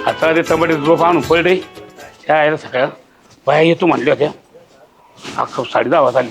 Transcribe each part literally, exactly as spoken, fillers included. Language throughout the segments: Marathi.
आता ते टमाटे रोप आणून पडले त्या आहे सकाळ बाया येतो म्हणल्या होत्या अख्खा साडे दहा वाजता आली.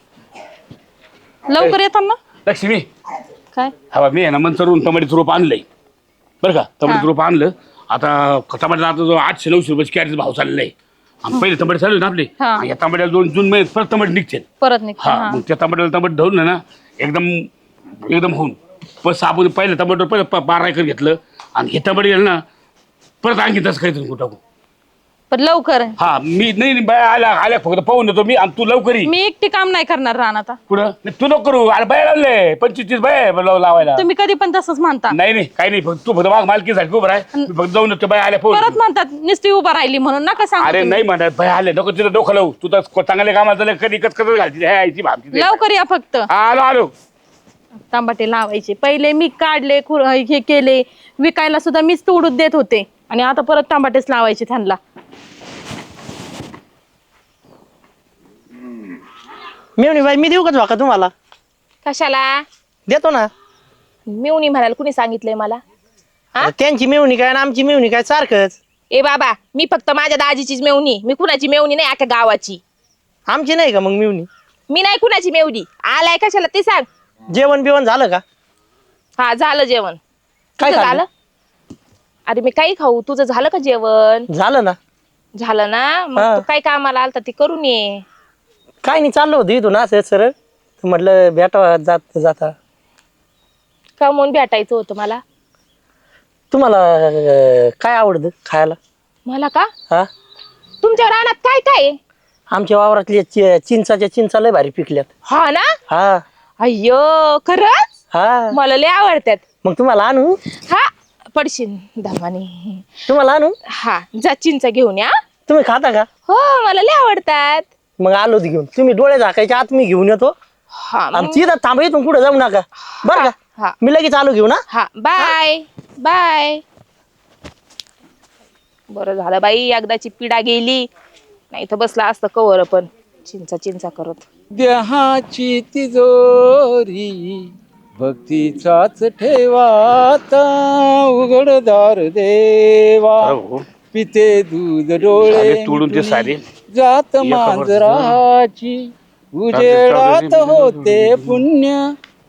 लवकर येतात ना. लक्ष्मी काय हवा मी आहे ना मंचरून टमाट्याचं रोप आणलंय बरं का. टमाट्याचं रोप आणलं आता टमाट्याला आता जो आठशे नऊशे रुपयाची कॅरेट भाव चाललेला आहे आणि पहिले टमाटे चालू ना आपले हा. या टमाट्याला दोन जून महिन्यात परत टमाटे निघतील. परत निघते हा हा. मग त्या टमाट्याला टमाटे धरून ना एकदम एकदम होऊन पण आपण पहिलं टमाटर पहिलं प- बारा एकर घेतलं आणि हे टमाटे गेलं ना परत आणखी तसं काहीतरी कुठं टाकू. पण लवकर हा मी नाही नाही, बाया आल्या आल्या फक्त पाहून देतो मी आणि तू लवकर ये. मी एकटी काम नाही करणार रान आता. पुढं नाही, तू नको करू अरे बाया लावले पंचवीस तीस बाया आहे लाव- लावायला. तुम्ही कधी पण तसंच म्हणता. नाही नाही काही नाही फक्त तू फक्त माग मालकीसाठी उभं आहे मी फक्त जाऊन येतो बाया आल्या परत पाहून. म्हणतात नुसती उभा राहिली म्हणून नका सांगू अरे तुम्ही. नाही म्हणत बाया आले नको तिथं डोकं लावू तू तर चांगल्या कामाला झालं कधी कच कच घालती यायची भामती. लवकर या फक्त. आलो आलो. तांबाटे लावायचे पहिले मी काढले खुर- हे केले विकायला सुद्धा मीच तोडून देत होते आणि आता परत तांबाटेच लावायचे त्यांना. मेवणी बाई मी देऊ का झोका तुम्हाला? कशाला देतो ना. मेवणी म्हणाल कुणी सांगितलंय मला? हा? त्यांची मेवणी काय आणि आमची मेवणी काय सारखंच. ए बाबा मी फक्त माझ्या दाजीचीच मेवणी, मी कुणाची मेवणी नाही अख्या गावाची. आमची नाही का मग मेवणी? मी नाही कुणाची मेवणी. आलाय कशाला ते सांग. जेवण बिवण झालं का? हा झालं जेवण. काय तुझं खाल्लं? झालं? अरे मी काही खाऊ, तुझं झालं का जेवण? झालं ना. झालं ना मग हा. तू काय कामाला आलता ते करून ये. काय नाही चाललं होतं इथून असं सरळ तर म्हटलं भेटा जात जाता. का म्हणून भेटायचं होतं मला? तुम्हाला अं, काय आवडतं खायला? मला का? हा तुमच्या रानात काय काय आहे? आमच्या वावरातले चि- चिंचाच्या चिंचा लय भारी पिकल्यात. हा ना. हा अय्यो खरंच हा मला लय आवडतात. मग तुम्हाला आणू? हा पडशील दामाने. तुम्हाला आणू? हा जा चिंच घेऊन या. तुम्ही खाता का? हो मला लय आवडतात. मग आलो होती घेऊन. तुम्ही डोळे झाकायच्या आत मी घेऊन येतो हा आणि मग- तिथं थांबा इथून कुठं जाऊ नका बरं हा. का. मी लगेच आलो घेऊन. हा हा बाय बाय. बरं झालं बाई एकदाची पिढा गेली नाही तर बसला असतं कवर पण चिंचा चिंचा करत. देहाची तिजोरी भक्तीचाच ठेवाता उघडदार देवा हो. पिते दूध सारे डोळे तोडून ते सारे. जात एका मांजराची उजेडात होते पुण्य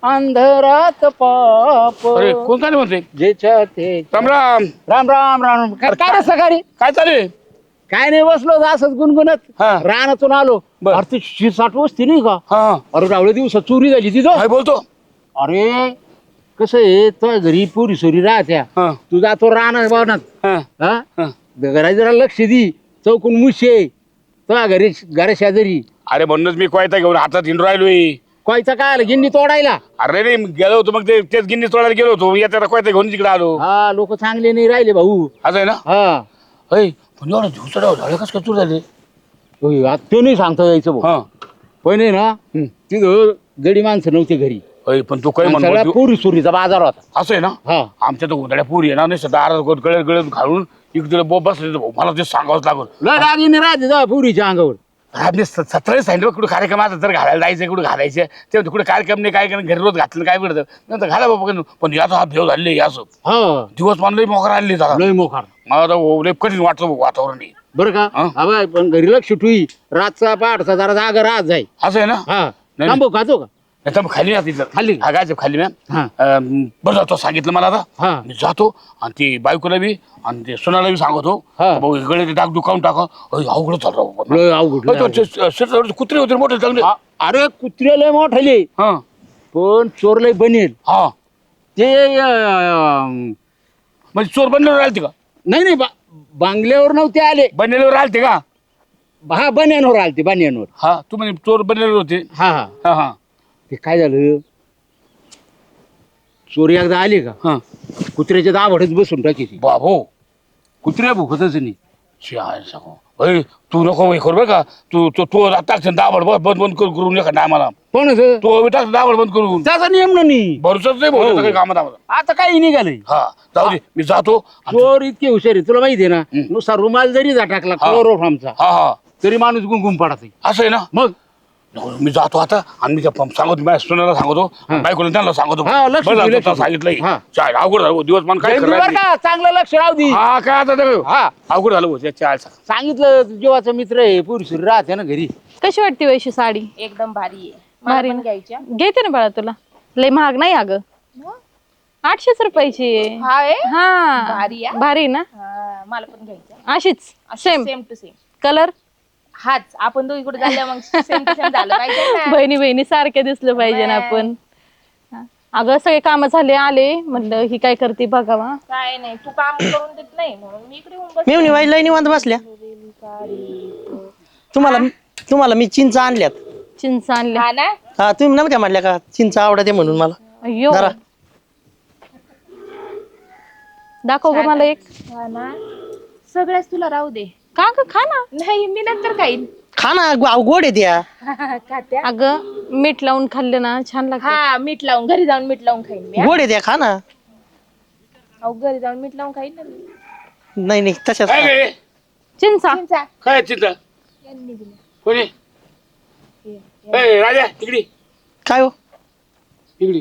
अंधरात पाप अरे कोण काय म्हणते जेच्या ते राम राम. राम राम राम काय काय रे सकाळी काय चालू आहे? काय नाही बसलो होतो असंच गुणगुणत हा. रानातून आलो. बर. अरे ती शिरसाट वस्ती नाही का? हा अरे रावळे दिवसात चोरी झाली तिथं. काय बोलतो? अरे कसं आहे तो घरी पुरी सोरी राहत्या हा तू जातो राहणार बावनात हा हा हा. घरा जरा लक्ष दी चौकून मुशे तो घरी घरा शेजारी अरे म्हणूनच मी कोयता घेऊन हातात हिंडू राहिलोय. कोयचा काय आलं गिन्नी तोडायला. अरे नाही मी गेलो होतो मग ते तेच गिन्नी तोडायला गेलो होतो येत्या कोयता घेऊन तिकडे आलो. हा लोक चांगले नाही राहिले भाऊ. असं आहे ना. हा अय पण एवढं झुसडा झालं कसं काय चूर झाले? होय, आता ते नाही सांगता यायचं भाऊ. हा पण आहे ना हम्म. तिथं गडी माणसं नव्हते घरी. अय पण तू काय आणि सगळा म्हणतो पुरी सोरीचा बाजार होता. असं आहे ना. हा आमच्या तर उंदड्या पुरी आहे ना नाही दारात गळत गळत घालून इकडे बोब बसले भाऊ मला ते सांगावंच लागल. लय रागीने राहते जा पुरीच्या अंगावर. सतरा सांगितलं कुठे कार्यक्रम आता जर घालायला जायचं कुठे घालायचं ते कुठे कार्यक्रम नाही काय घरी रोज घातलं काय पडतं नंतर घाला बाबा पण याचा हा भेव झाले असं हा दिवस मानलं मोकर आले जरा लय मोकार. मला आता लय कठीण वाटतं भाऊ वातावरण हे. बरं का हा. हा बाय पण घरी लक्ष ठुई रातचा पहाटचा जरा जागा राहत जाई. असं आहे ना. हा नाही. थांबू खातो का? नाही तर मग खाली राहते खाली? हा गायचं खाली मॅम. हा बरं जातो सांगितलं मला आता हा मी जातो आणि ती बायकोला बी आणि ते सोनाला बी सांगतो हा. भाऊ गळे टाक दुकान टाका अवघड चालू राहू. लय अवघड, लय अवघड. कुत्रे होते मोठे चांगले. आ- अरे कुत्रे लय मोठाले हा पण चोर लय बनेल हा ते अं, म्हणजे चोर बनल्यावर राहते का? नाही नाही बा- बांगल्यावर नव्हते आले. बनलेल्यावर राहते का? हा बन्यांवर आलते बन्यांवर. हा तू म्हणजे चोर बनलेले होते. हा हा हा हा ते काय झालं चोरी एकदा आली का हा कुत्र्याच्या दाभाडच बसून टाकीची. बाबो कुत्र्या भुकतच नाही. शिवाय सांगू अय तू नको हे करू बरं का तू तू तू टाकशील दाबड बंद बंद करून करून एखादा आम्हाला पण तू टाक दाबड बंद करून त्याचा नियम नाही. भरोसाच नाही भाऊ काही कामात आम्हाला. आता काही निघालंय. हा जाऊ दे मी जातो. चोर इतके हुशार आहे तुला माहिती आहे ना. हम्म. नुसता रुमाल जरी जा टाकला हा. क्लोरोफॉर्मचा हा हा तरी माणूस गुंगुम पडत. असं आहे ना. मग नको, मी जातो आता आणि मी त्या पं- सांगतो माझ्या सुनाला सांगतो बायकोला त्यांना सांगतो हा, लक्ष बरं दे, झालं लक्ष तुला दे. सांगितलंय हा. चाल अवघड झालं भाऊ, दिवस मन काय जयंती खरं बरं नाही. का चांगलं लक्ष राहू दे हा काय आता ते- हा अवघड झालं भाऊ, त्या चाल सांग. सांगितलं जीवाचा मित्र आहे पुरुष राहते ना घरी. कशी वाटते वैशी साडी? एकदम भारी आहे. मला भारी पण ना? घ्यायच्या. घेते ना बाळा तुला. लय महाग नाही अगं, आठशेच रुपयाची आहे. हा आहे? हा भारी आहे. भारी ना? हा, मला पण घ्यायच्या. अशीच same same to same. Colour. हाच आपण दोघी कुठे झाल्या मग सेम टू सेम झालं पाहिजे ना. बहिणी बहिणी सारखे दिसलं पाहिजे ना आपण. हा. अगं सगळे काम झाले आले, म्हणलं ही काय करते बघावा. काय नाही तू काम करून देत नाही म्हणून मी इकडे येऊन बस. मी वाईट लई निवांत बसल्या. तुम्हाला तुम्हाला मी चिंच आणल्यात. चिंच आणल्या. हा ना. हा तुम्ही नव्हत्या म्हणल्या का चिंच आवडते म्हणून मला. अय्यो जरा दाखव ग मला एक. हा ना. सगळ्याच तुला राहू दे. का ग खा ना. नाही मी नंतर खाईन. खा ना गो- गोड आहे त्या. खात्या. अगं मीठ लावून खाल्लं ना छान लागतं. हा मीठ लावून घरी जाऊन मीठ लावून खाईन मी. हा. गोड आहे त्या खा ना. अहो घरी जाऊन मीठ लावून खाईन ना मी. नाही नाही तशाच काय खा. गे? चिंचा. चिंचा. काय चिंता यांनी दिल्या. कोणी हे, ए, राजा इकडे काय हो इकडे.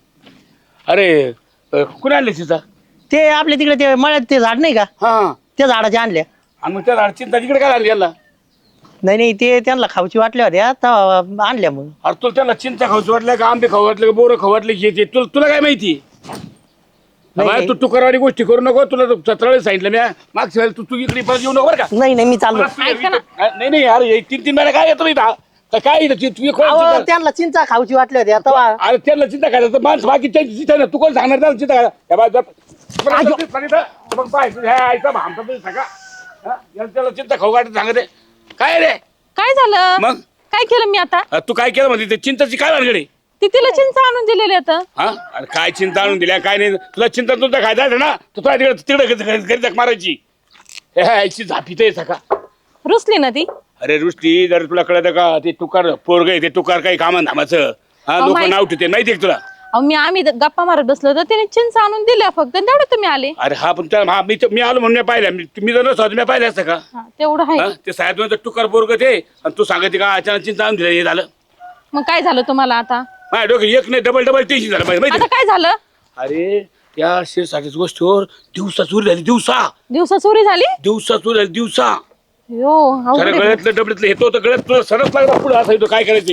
अरे अ, कुणी आणले चिंता? ते आपल्या तिकडे ते मळ्यात ते झाड नाही का हा त्या झाडाच्या आणल्या. आणि मग त्या झाड चिंता तिकडे काय आणली याला? नाही नाही ते त्यांना खाऊची वाटल्या होत्या तेव्हा आणल्या मग. अरे तुला त्याला चिंता खाऊच वाटलं का आंबे खाऊ वाटलं का बोरं खाऊ वाटलं की ते तुला तुला काय माहिती? नाही, बाय, नाही. तू टुकारवाडी गोष्टी करू नको. तुला सतरा वेळेस सांगितलं मी मागच्या वेळेला तू तू इकडे परत येऊ नको बरं का. नाही नाही मी चाललो. परत तू इकडे- नाही नाही अरे हे तीन तीन महिने काय येतो इथं? तर काय इथं? तू- तू कोण अहो, चिंता- त्यांना चिंचा खाऊची वाटल्या होत्या तेव्हा. अरे त्यांना चिंता करायचं तर माणसं बाकी त्यांची चिंता नाही. तू कोण सांगणार त्याला चिंता करा? या बाय, जर- परत जर- परत इथं- मग पाय, तुझ्या आईचा भामटा तरी सगळा. हा? याला त्याला चिंता खाऊ वाटत सांगते काय रे? काय झालं? मग? काय केलं मी आता? अरे तू काय केलं म्हणजे ते चिंताची काय भानगडी? ती तिला चिंच आणून दिलेली आता. हा अरे काय चिंता आणून दिल्या काय नाही. तुला चिंता तुझा खायचा आहे ना तू तुला तिकडे तिकडे घरी जग मारायची. हे आईची झापीत आहे सका. रुसली ना ती. अरे रुष्टी जर तुला कळत का ते तुकार पोरग आहे ते तुकार काही कामं धामाचं. हा अहो, लोक माहित- नाव ठेवते माहिती आहे का तुला? अहो मी आम्ही द- गप्पा मारत बसलो तर तिने चिंच आणून दिल्या फक्त, तेवढं तुम्ही आले. अरे हा पण त्या हा, मी मी आलो म्हणून मी पाहिलं मी मी जर नसतो मी पाहिलं असतं का? हा, तेवढं आहे. हा? ते साहेब तुकार पोरग ते आणि तू सांगायचे का अचानक चिंता आणून दिलं हे झालं. मग काय झालं तुम्हाला आता? माझ्या डोकं एक नाही डबल डबल टेन्शन झालं माहिती आता आहे? काय झालं? अरे त्या शेरसाठीच गोष्टीवर दिवसा चोरी झाली दिवसा दिवसा चोरी झाली? दिवसा चोरी झाली दिवसा. यो अवघड सगळ्या आहे. गळ्यातलं डबडीतलं येतो तर गळ्यात तुला सरस लागला पुढे असं येतो काय करायचे?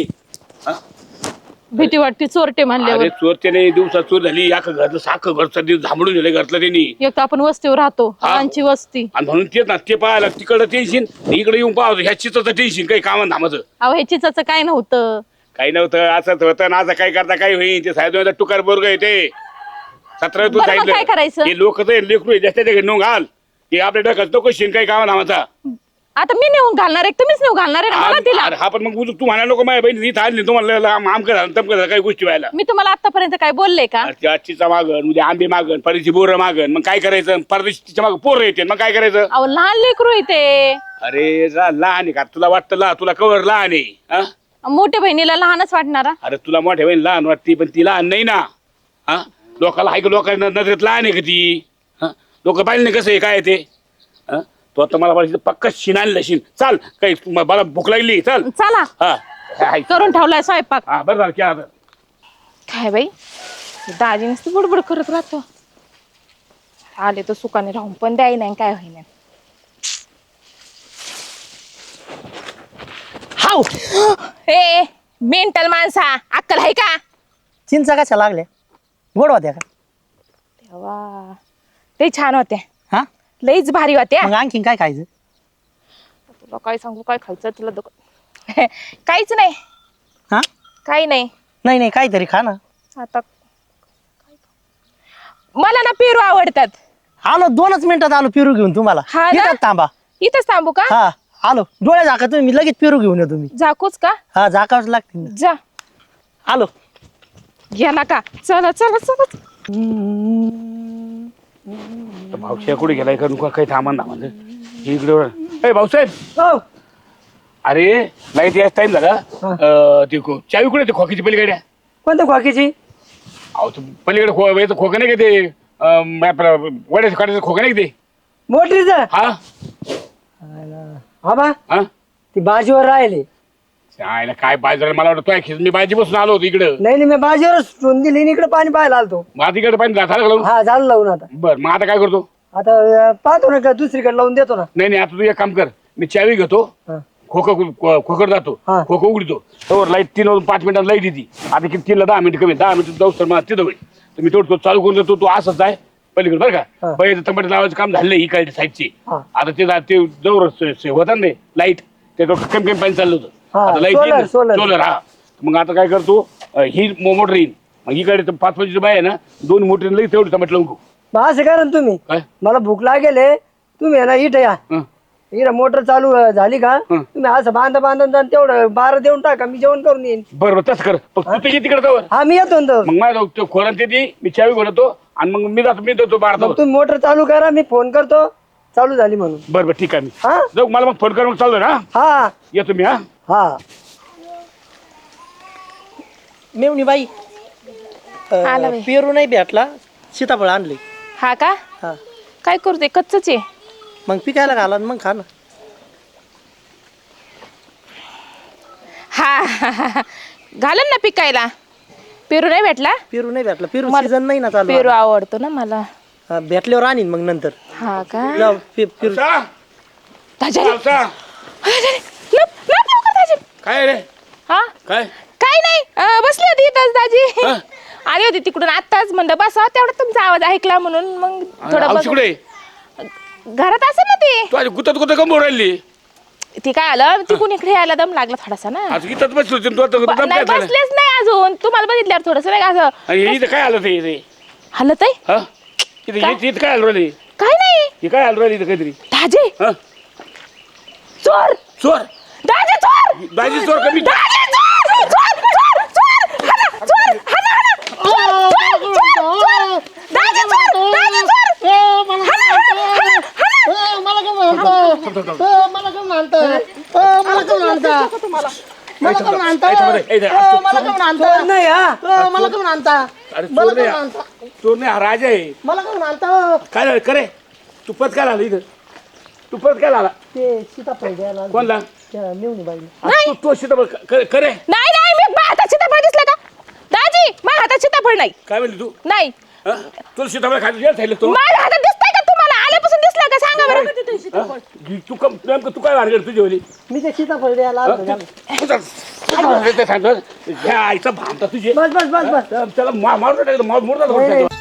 भीती वाटते चोरटे म्हणल्यावर. अरे चोरत्याने दिवसा चोर झाली या घरचं साखं घरचं दिवस झांबडून गेलं घरचं त्यांनी. एक तर आपण वस्तीवर राहतो, हा. आमची वस्ती. आणि म्हणून तेच ना ते पाहायला तिकडं टेन्शन इकडे येऊन पाहतो ह्या चित्राचं टेन्शन काही कामं धामाचं अहो हे चिंचाचं काय नव्हतं. काही नव्हतं असंच होतं ना असं काय करता काही होईल ते साहेब टुकार बोर्ग येते सतरा तू बरं, मग काय करायचं? हे लोक लेकरू आहे, जास्तीच्या घरी नेऊन घाल ते आपल्या डोक्यात तो कशी काही कामं धामाचा. आता मी नेऊन घालणार आहे, तुम्हीच नेऊन घालणार आहे ना, बघा तिला. अरे हा पण मग उजू- तू म्हणा नको माझ्या बहिणी इथं आली तुम्हाला आमकं झालं तमकं झालं काही गोष्टी व्हायला. मी तुम्हाला आतापर्यंत काय बोलले का? अरे ती आजचीचा मागण उद्या आंबे मागण परदेशी बोरं मागण मग काय करायचं परदेशीच्या मागं पोरं येते मग काय करायचं? अहो लहान लेकरू आहे ते. अरे जा लहान आहे का तुला वाटतं ला तुला कवर लहान आहे हा? मोठ्या बहिणीला लहानच वाटणारा. अरे तुला मोठ्या बहीण लहान वाटते पण ती लहान नाही ना. हा लोकाला ऐक लोकांना नजरेत लहान आहे का ती? हा लोक पाहिलं नाही कसं आहे काय आहे ते. हा तो आता मला पाहिजे पक्का शिन आणलं शिन चाल काही म- मला भूक लागली चल. चला हा हाय. करून ठेवलाय स्वयंपाक. हा बरं झालं क्या आता काय बाई दाजी नुसती बुडबुड करत राहतो. आले तर सुखाने राहून पण द्याय नाही काय होईना. हाव हे मेंटल माणसा अक्कल आहे का? चिंचा कशा लागल्या गोड होत्या का? तेव्हा ते छान होत्या हा लईच भारी होत्या. मग आणखीन काय खायचं? तुला काय सांगू काय खायचं तुला दुख- काहीच नाही हा काही नाही. नाही नाही काहीतरी खा ना. आता मला ना पेरू आवडतात. आलो दोनच मिनिटात आलो पेरू घेऊन तुम्हाला. हा ना? इथंच थांबा. इथंच थांबू का? हा आलो डोळे झाका तुम्ही मी लगेच पेरू घेऊन येतो मी. झाकूच का? हा झाकावच लागते ना. जा आलो. गेला का? चला चला चला. भाऊसाहेब कुठे गेलाय का नुका काही थांबा ना म्हणजे इकडे ए भाऊसाहेब हो. अरे लाईट याच टाइम झाला अं, ते खो- चावी कुठे ते खोकीची पलीकडे कोणत्या खोकीची? अहो तू पलीकडे खो याचं खोकं नाही का ते अं, आपलं वड्याचं काढायचं खोकं नाही का ते मोटरीच हा आबा हा ती बाजूवर राहिले आयला काय पाहिजे रे, मला वाटतं खिस मी बाजी बसून आलो होतो इकडं. नाही नाही मी बाजीवर सोडून दिली आणि इकडे पाणी पाहायला आलतो. मग आता इकडे पाहिजे झालं लावून. हा झालं लावून आता. बरं मग आता काय करतो? आता अं, पाहतो ना का दुसरीकडे लावून देतो ना. नाही नाही आता तू एक काम कर, मी चावी घेतो, हा. खोकं खोकड जातो, हा. खोकं उघडतो, तर लाईट तीन वाजून पाच मिनिटात लाईट येते. आता किती तीनला दहा मिनिट कमी, दहा मिनिट जाऊ तर मला तिथं होईल. तर मी थोडं चालू करून देतो, तू असंच आहे पलीकडे बरं का. हा. पहिले टमाटे लावायचं काम झालं ही काय साईडची. हा. आता ते ते जवळ होता ना लाईट, ते कमी कमी पाणी चाललं होतं. हा, आता लाईट solar, solar. सोलर हा. मग आता काय करतो, अं, ही मोटर येईल, मग इकडे तर पाच पाचची बाय आहे ना, दोन मोटर लई तेवढी टमाटे लावून घेऊ. मग असं करा ना तुम्ही, काय मला भूक लागेल आहे, तुम्ही आहे ना इथं या. हं. इकडे मोटर चालू अं, झाली का हं. तुम्ही असं बांधा बांधून जा, तेवढं बारा देऊन टाका, मी जेवण करून येईन. बरं बरं तसं कर, फक्त तू तुझी तिकडे जावर. हा मी येतो ना तर. मग माझ्या खोरान ते मी चावी घेतो आणि मग मी जातो, मी देतो बारा. मग तुम्ही मोटर चालू करा, मी फोन करतो चालू झाली म्हणून. बरं बरं ठीक आहे, मी हा जाऊ, मला मग फोन कर, मग चालू ना. हा येतो मी. हा हा मेवणी बाई आला बाई. पेरू नाही भेटला, सीताफळ आणले. हा का? हा काय करू ते कच्चच आहे. मग पिकायला घाला मग खा ना. हा हा, हा, हा. घालन ना पिकायला. पेरू नाही भेटला? पेरू नाही भेटला, पेरू मला सीझन नाही ना चालू. पेरू आवडतो ना मला. हा, भेटल्यावर आणीन मग नंतर. हा का? जाऊ, पे- पेरू सा, दाजी, सा. लप लप लवकर दाजी. काय रे हा काय? काय नाही अं, बसली होती इथंच दाजी. हा? आली होती तिकडून आत्ताच म्हणलं बसा, तेवढा तुमचा आवाज ऐकला म्हणून मग थोडं आमची बघ- कुठे घरात असं ना ती तू आज गुतत गुतत कम राहिली? ती काय आलं तिकून इकडे यायला दम लागला थोडासा ना. आज इथंच बसली होती, तू आता ब- दम नाही काय झाला? बसलेच नाही अजून, तुम्हाला बघितल्यावर थोडस नाही का असं आणि हे इथं काय आलं ते रे? हलत आहे. हा इथं काय? इथं इथं काय आलं राहिली? काय नाही हे काय आलं राहिली इथं काहीतरी? दाजी हा चोर, चोर? दाजी चोर, दाजी चोर कमी. दाजी चोर, चोर, चोर, चोर, हाना, चोर, हाना, हाना, चोर, चोर, चोर, चोर, दाजी चोर, दाजी चोर, हाना, हाना, हाना, हाना. याच्यामध्ये- ए, इथं- चोर नाही हा. अरे चोर नाही हा. चोर नाही हा राजा आहे. मला कोण आणता? काय झालं करे? तू परत काय आला इथं? तू परत काय आला? ते सीताफळ द्यायला आलो. कोणला? त्या मेवणी बाईला. आज तू तो सीताफळ क- करे नाही नाही मी माझ्या हातात सीताफळ दिसलं का दाजी? माझ्या हातात सीताफळ नाही. काय म्हणली तू? नाही हा? तुला सीताफळ खायला जेल खायला तो? माझ्या हातात दिसतंय का तुम्हाला? आल्यापासून दिसलं का सांगा बरं. हा? तू कम नेमकं तू काय वाढ तुझी होली? मी ते सीताफळ द्यायला आलो. सांगतो ह्या आईचा भामता तुझे. बस बस बस बस. त्याला मारून टाकलं, मारून